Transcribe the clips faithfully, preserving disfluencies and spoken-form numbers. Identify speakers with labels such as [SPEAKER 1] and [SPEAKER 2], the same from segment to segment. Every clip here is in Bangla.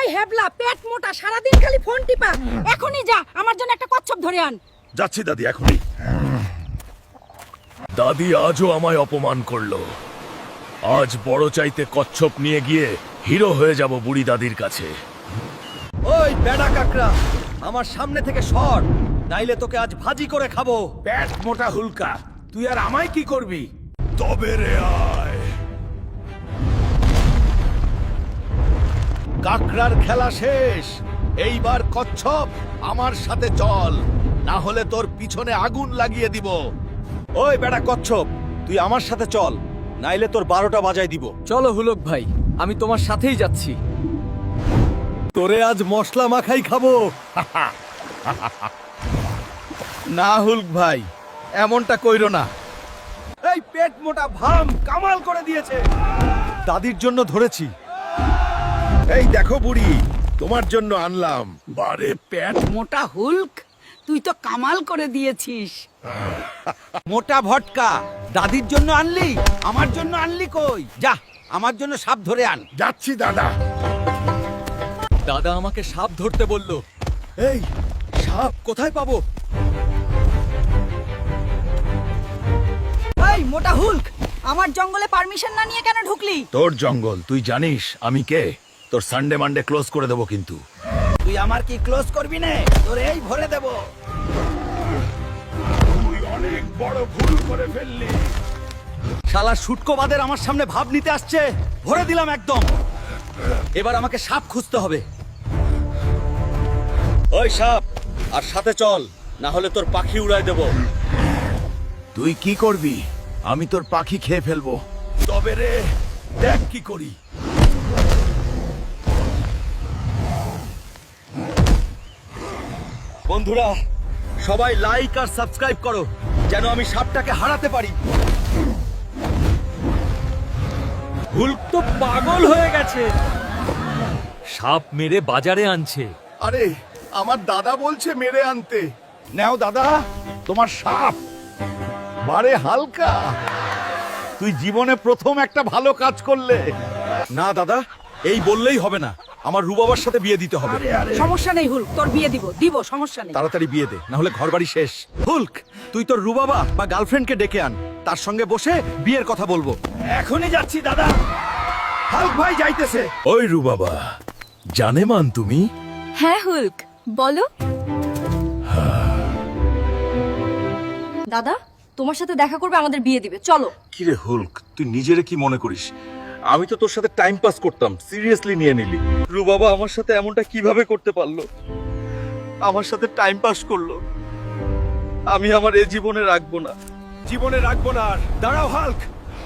[SPEAKER 1] ওই হেবলা পেট মোটা সারাদিন খালি ফোন টিপা। এখনই যা আমার জন্য একটা কচ্ছপ ধরে আন।
[SPEAKER 2] যাচ্ছি দাদি এখনই। দাদি আজও আমায় অপমান করলো। আজ বড় চাইতে কচ্ছপ নিয়ে গিয়ে হিরো হয়ে যাব বুড়ি দাদির কাছে।
[SPEAKER 3] ওই বেড়া কাকড়া, আমার সামনে থেকে সর, নাইলে তোকে আজ ভাজি করে খাবো।
[SPEAKER 4] পেট মোটা হুলকা, তুই আর আমায় কি করবি?
[SPEAKER 2] তবে রে আয়।
[SPEAKER 5] কাকড়ার খেলা শেষ। এইবার কচ্ছপ আমার সাথে চল, না হলে তোর পিছনে আগুন লাগিয়ে দিব।
[SPEAKER 3] ওই বেড়া কচ্ছপ, তুই আমার সাথে চল, নাইলে তোর বারোটা বাজায় দিব। চলো হুলক ভাই, আমি তোমার সাথেই যাচ্ছি। তোরে আজ মশলা মাখাই খাবো।
[SPEAKER 5] না হুলক ভাই, এমনটা কইরো না।
[SPEAKER 3] এই পেট মোটা ভাম কামাল করে দিয়েছে। দাদির জন্য ধরেছি।
[SPEAKER 5] এই দেখো বুড়ি, তোমার জন্য আনলাম।
[SPEAKER 2] বারে পেট
[SPEAKER 1] মোটা হুলক, তুই তো কামাল করে দিয়েছিস।
[SPEAKER 3] মোটা ভটকা, দাদির জন্য আনলি, আমার জন্য আনলি কই? যা, আমার জন্য সাপ ধরে আন।
[SPEAKER 2] যাচ্ছি দাদা।
[SPEAKER 3] দাদা আমাকে সাপ ধরতে বলল। এই সাপ কোথায় পাবো?
[SPEAKER 1] এই মোটা হুলক, আমার জঙ্গলে পারমিশন না নিয়ে কেন ঢুকলি?
[SPEAKER 2] তোর জঙ্গল, তুই জানিস আমি কে? তোর সানডে মানডে ক্লোজ করে দেবো কিন্তু।
[SPEAKER 3] তুই আমার কি ক্লোজ করবি না? তোর এই ভরে দেব।
[SPEAKER 2] তুই অনেক বড় ভুল করে ফেললি।
[SPEAKER 3] শালা শুটকোবাদের আমার সামনে ভাব নিতে আসছে, ভরে দিলাম একদম। এবার আমাকে সাপ খুঁজতে হবে। ওই সাপ, আর সাথে চল, না হলে তোর পাখি উড়ায় দেব।
[SPEAKER 2] তুই কি করবি? আমি তোর পাখি খেয়ে ফেলবো। তবে রে, দেখ কি করি।
[SPEAKER 3] বন্ধুরা, সবাই লাইক আর সাবস্ক্রাইব করো, যেন আমি সাপটাকে হারাতে পারি। হুলক তো পাগল হয়ে গেছে, সাপ মেরে বাজারে আনছে।
[SPEAKER 5] আরে আমার দাদা বলছে মেরে আনতে। নাও দাদা, তোমার সাপ। বারে হালকা, তুই জীবনে প্রথম একটা ভালো কাজ করলে।
[SPEAKER 3] না দাদা, এই বললেই হবে না, আমার রুবাবার সাথে বিয়ে দিতে হবে।
[SPEAKER 1] সমস্যা নেই হুলক, তোর বিয়ে দিব দিব সমস্যা নেই।
[SPEAKER 3] তাড়াতাড়ি বিয়ে দে, না হলে ঘর বাড়ি শেষ। হুলক, তুই তোর রুবাবা বা গার্লফ্রেন্ডকে ডেকে আন, তার সঙ্গে বসে বিয়ের কথা বলবো।
[SPEAKER 4] এখনই যাচ্ছি দাদা। হাল্ক ভাই যাইতেছে।
[SPEAKER 2] ওই রু বাবা, জানে মান তুমি?
[SPEAKER 6] হ্যাঁ হুলক, বলো। দাদা, তোমার সাথে দেখা করবে, আমাদের বিয়ে দিবে, চলো।
[SPEAKER 5] কিরে হুলক, তুই নিজেরে কি মনে করিস? আমি তো তোর সাথে টাইম পাস করতাম, সিরিয়াসলি নিয়ে নিলি।
[SPEAKER 3] রুবাবা আমার সাথে এমনটা কিভাবে করতে পারলো? আমার সাথে টাইম পাস করলো। আমি আমার এ জীবনে রাখবো না,
[SPEAKER 4] জীবনে রাখবো না আর। দাঁড়াও হাল্ক।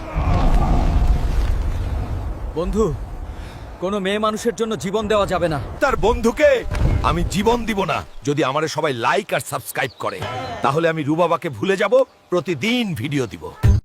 [SPEAKER 3] বন্ধু, কোনো মেয়ে মানুষের জন্য জীবন দেওয়া যাবে না।
[SPEAKER 5] তার বন্ধুকে আমি জীবন দিব না। যদি আমারে সবাই লাইক আর সাবস্ক্রাইব করে, তাহলে আমি রুবাবাকে ভুলে যাব, প্রতিদিন ভিডিও দিব।